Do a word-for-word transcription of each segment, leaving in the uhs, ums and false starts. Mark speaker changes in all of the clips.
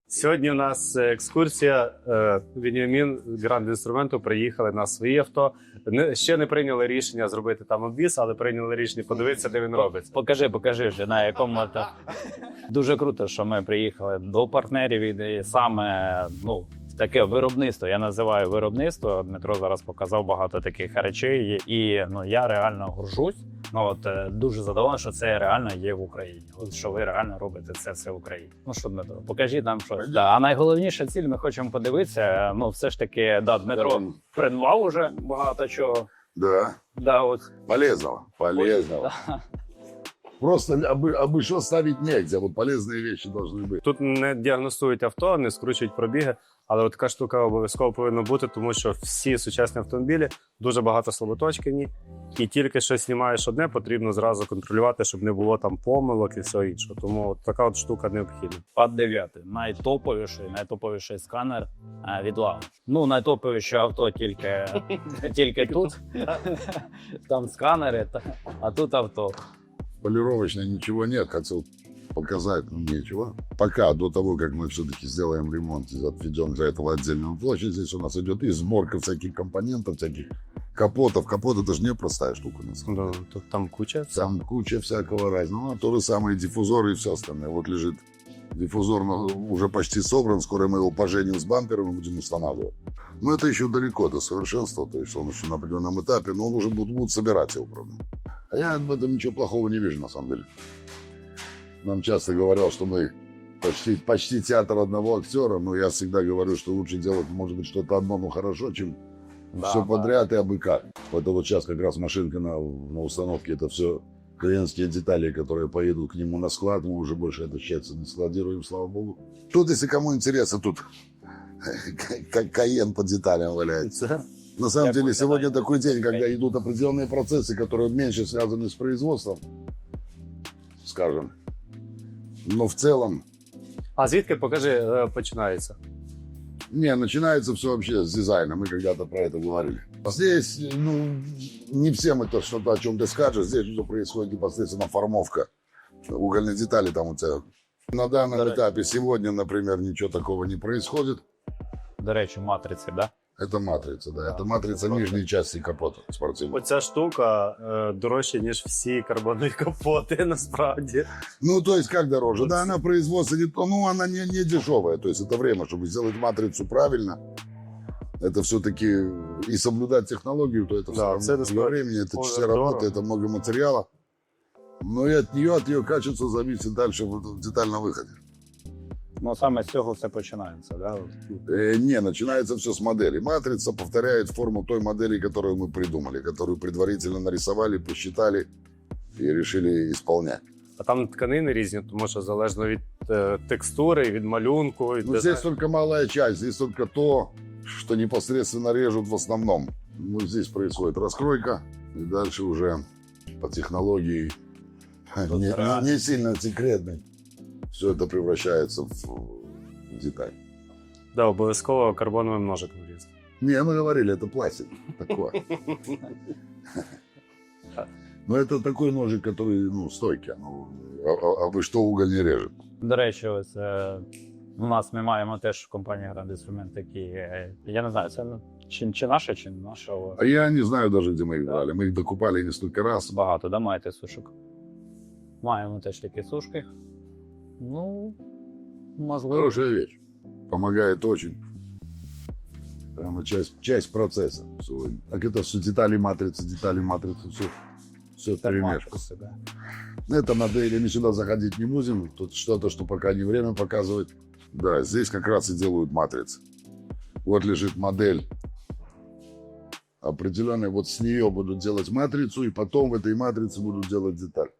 Speaker 1: Сьогодні у нас екскурсія. Веніамін з Гранд Інструменту приїхали на свої авто. Не, ще не прийняли рішення зробити там обвіз, але прийняли рішення подивитися, де він робиться.
Speaker 2: Покажи, покажи вже, на якому авто. Дуже круто, що ми приїхали до партнерів і саме, ну, таке виробництво. Я називаю виробництво. Дмитро зараз показав багато таких речей, і ну, я реально горжусь. Ну, от, дуже задоволений, що це реально є в Україні. От, що ви реально робите це все в Україні. Ну що, Дмитро, покажіть нам щось. Да, а найголовніша ціль, ми хочемо подивитися, ну все ж таки, да, Дмитро придбав уже багато чого.
Speaker 3: Да.
Speaker 2: Да, от.
Speaker 3: Полезного. Полезного.
Speaker 2: Да.
Speaker 3: Просто обы, обышло ставить нельзя. Вот полезные вещи должны быть.
Speaker 1: Тут не діагностують авто, не скручують пробіги, але от така штука обов'язково повинна бути, тому що всі сучасні автомобілі дуже багато слаботочкані, і тільки що знімаєш одне, потрібно зразу контролювати, щоб не було там помилок і всього іншого. Тому от така от штука необхідна.
Speaker 2: пад дев'ять. Найтоповіший, найтоповіший сканер а, від Launch. Ну, найтоповіше авто тільки, тільки тут. Там сканери, а тут авто.
Speaker 3: Полировочно ничего нет. Хотел показать, но нечего. Пока, до того, как мы все-таки сделаем ремонт и отведем для этого отдельную площадь, здесь у нас идет и сборка всяких компонентов, всяких капотов. Капот — это же не простая штука. На самом деле.
Speaker 1: Да, тут там куча.
Speaker 3: Там куча всякого разного. Ну, а то же самое диффузоры и все остальное. Вот лежит диффузор, уже почти собран. Скоро мы его поженим с бампером и будем устанавливать. Но это еще далеко до совершенства. То есть он еще на определенном этапе, но он уже будет, будет собирать его, правда. А я в этом ничего плохого не вижу, на самом деле. Нам часто говорят, что мы почти, почти театр одного актера, но я всегда говорю, что лучше делать, может быть, что-то одно, но хорошо, чем
Speaker 2: Да,
Speaker 3: все
Speaker 2: да.
Speaker 3: подряд и абы как. Это вот сейчас как раз машинка на, на установке, это все клиентские детали, которые поедут к нему на склад, мы уже больше это счастье не складируем, слава богу. Тут, если кому интересно, тут как Каен по деталям валяется. На самом
Speaker 2: Я
Speaker 3: деле,
Speaker 2: понял,
Speaker 3: сегодня
Speaker 2: да.
Speaker 3: такой день, когда идут определенные процессы, которые меньше связаны с производством, скажем. Но в целом,
Speaker 1: А звідки, покажи, е, починається?
Speaker 3: не, начинается все вообще с дизайна. Мы когда-то про это говорили. Здесь, ну, не всем это что-то о чем-то скажешь. Здесь уже происходит непосредственно формовка угольной детали. Там у тебя на данном
Speaker 2: Да.
Speaker 3: этапе сегодня, например, ничего такого не происходит.
Speaker 2: До речі, матриці, да?
Speaker 3: Это матрица, да.
Speaker 2: Да,
Speaker 3: Это матрица
Speaker 2: это
Speaker 3: нижней части капота спортивного.
Speaker 1: Оця штука е, дорожча, ніж всі карбонові капоти, насправді.
Speaker 3: Ну, то есть, как дороже?
Speaker 1: Вот.
Speaker 3: Да, она производство, не то, ну, она не, не дешевая. То есть, это время, чтобы сделать матрицу правильно. Это все-таки и соблюдать технологию, то это
Speaker 1: Да,
Speaker 3: все равно
Speaker 1: это
Speaker 3: много времени, это
Speaker 1: очень
Speaker 3: часы
Speaker 1: здорово.
Speaker 3: работы, это много материала. Но и от нее, от ее качества зависит дальше в в детальном выходе.
Speaker 2: Ну, саме з цього все починається, да?
Speaker 3: Э, не, начинается все с модели. Матрица повторяет форму той модели, которую мы придумали, которую предварительно нарисовали, посчитали и решили исполнять.
Speaker 1: А там тканини різні, тому що залежно від е, текстури, від малюнку. Від
Speaker 3: Ну, здесь только малая часть, здесь только то, что непосредственно режут в основном. Ну, здесь происходит раскройка, и дальше уже по технологии не, не- не сильно секретной. Все это превращается в, в деталь.
Speaker 1: Да, обов'язково карбоновим ножиком різати.
Speaker 3: Не, мы говорили, это пластик такой. Но это такой ножик, который, ну, стойкий. Ну, а, а- а вы что, уголь не режет?
Speaker 2: До речі, ось е, у нас ми маємо теж в компанії Grand Instrument такі, е, я не знаю, це ну, чи, чи наше, чи не наше, але
Speaker 3: А я не знаю даже, где мы их
Speaker 2: Да.
Speaker 3: брали. Мы их докупали несколько раз.
Speaker 2: багато, да, маєте сушок? Маємо теж такі сушки. Ну, можливо.
Speaker 3: Хорошая вещь. Помогает очень. Прямо часть, часть процесса сегодня. Так это все детали матрицы, детали матрицы, все, все вперемешку.
Speaker 2: Терматиси, да.
Speaker 3: Это модели, мы сюда заходить не будем. Тут что-то, что пока не время показывать. Да, здесь как раз и делают матрицы. Вот лежит модель определенная. Вот с нее будут делать матрицу, и потом в этой матрице будут делать деталь.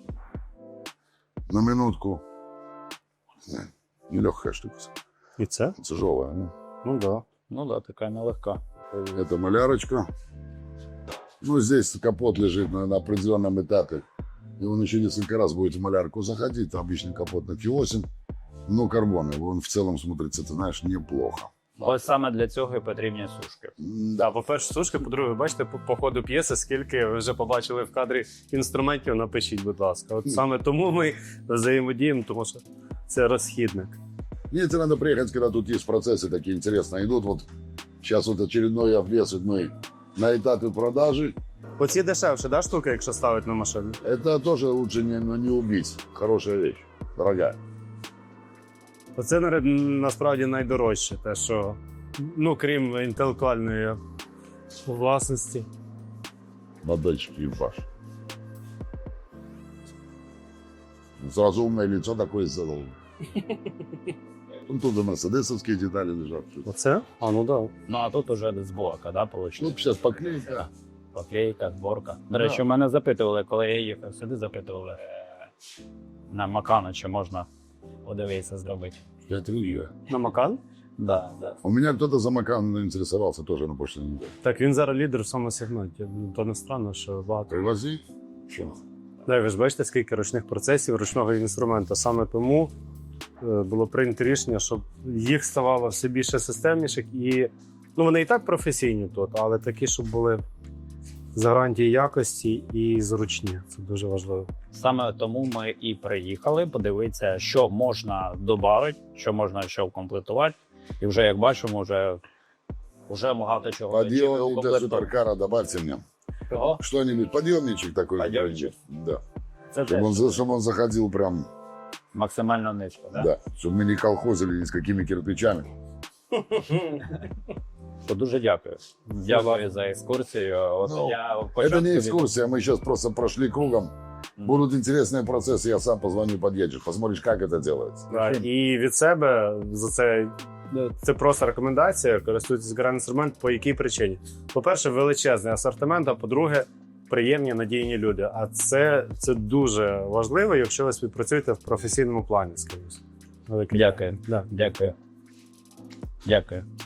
Speaker 3: На минутку. Нелегкая штука.
Speaker 1: І це?
Speaker 3: Тяжелая. Ну.
Speaker 1: Ну так. Да.
Speaker 2: Ну да, така нелегка.
Speaker 3: Это малярочка. Ну, здесь капот лежит на, на определенном этапе. И он еще несколько раз будет в малярку заходить. Обычный капот на Q восемь. Но карбоновый. Он в целом смотрится, ты знаешь, неплохо.
Speaker 2: Ось саме для цього і потрібні сушки.
Speaker 1: Да, по-перше, сушки, по-друге, ви бачите, по, по ходу п'єси, скільки ви вже побачили в кадрі інструментів, напишіть, будь ласка. От саме тому ми взаємодіємо, тому що це розхідник.
Speaker 3: Мне тебе надо приехать, когда тут есть процессы такие интересные идут. Вот сейчас вот очередной обвес вот мы на этапе продажи.
Speaker 1: Оці дешевше, да, штука, якщо ставити на машину?
Speaker 3: Это тоже лучше не, ну, не убить. Хорошая вещь, дорогая.
Speaker 1: Оце на- насправді найдорожче, те, що, ну, крім інтелектуальної власності.
Speaker 3: Модельчик ебаш. Сразу умное лицо такое сделал. Ну, тут и мерседесовские детали лежат.
Speaker 1: Оце? А, ну да.
Speaker 2: Ну а тут уже зборка, да,
Speaker 3: Ну,
Speaker 2: вийшло?
Speaker 3: сейчас поклейка.
Speaker 2: Поклейка, зборка. До речі, мене запитували, коли я їхав сюди, запитували е, на Макану, чи можна подивитися зробити.
Speaker 3: Я трюю.
Speaker 1: На Макан?
Speaker 2: Да, да.
Speaker 3: У меня кто-то за Макан интересовался тоже на прошлой неделе.
Speaker 1: Так, він зараз лідер в цьому сегменті. Ну, то не странно, що багато.
Speaker 3: Привози. Что?
Speaker 1: Да, ви ж бачите, скільки ручних процесів, ручного інструменту. Саме тому е, було прийнято рішення, щоб їх ставало все більше системніших і, ну, вони і так професійні тут, але такі, щоб були з гарантії якості і зручні. Це дуже важливо.
Speaker 2: Саме тому ми і приїхали подивитися, що можна додати, що можна ще вкомплектувати. І вже, як бачимо, вже, вже багато чого.
Speaker 3: Подъемник для суперкара добавьте мне.
Speaker 2: Кого?
Speaker 3: Что-нибудь, подъемничек такой.
Speaker 2: Подъемничек.
Speaker 3: Да.
Speaker 2: Це
Speaker 3: Чтобы
Speaker 2: теж
Speaker 3: он, за- чтобы он заходил прям,
Speaker 2: максимально низько, да?
Speaker 3: да. Чтобы мы не колхозили ни с какими кирпичами.
Speaker 2: То дуже дякую. Дякую за екскурсію. От
Speaker 3: Ну,
Speaker 2: я
Speaker 3: Это
Speaker 2: початку
Speaker 3: не
Speaker 2: від-
Speaker 3: экскурсия, мы сейчас просто прошли кругом. Будут интересные процессы, я сам позвоню, подъедешь, посмотришь, как это делается.
Speaker 1: Да, і від себе за це, це просто рекомендація користуйтесь Grand Instrument по якій причині. По-перше, величезний асортимент, а по-друге, приємні надійні люди. А це, це дуже важливо, якщо ви співпрацюєте в професійному плані з кимось. Велике
Speaker 2: Дякую.
Speaker 1: Да.
Speaker 2: Дякую. Дякую.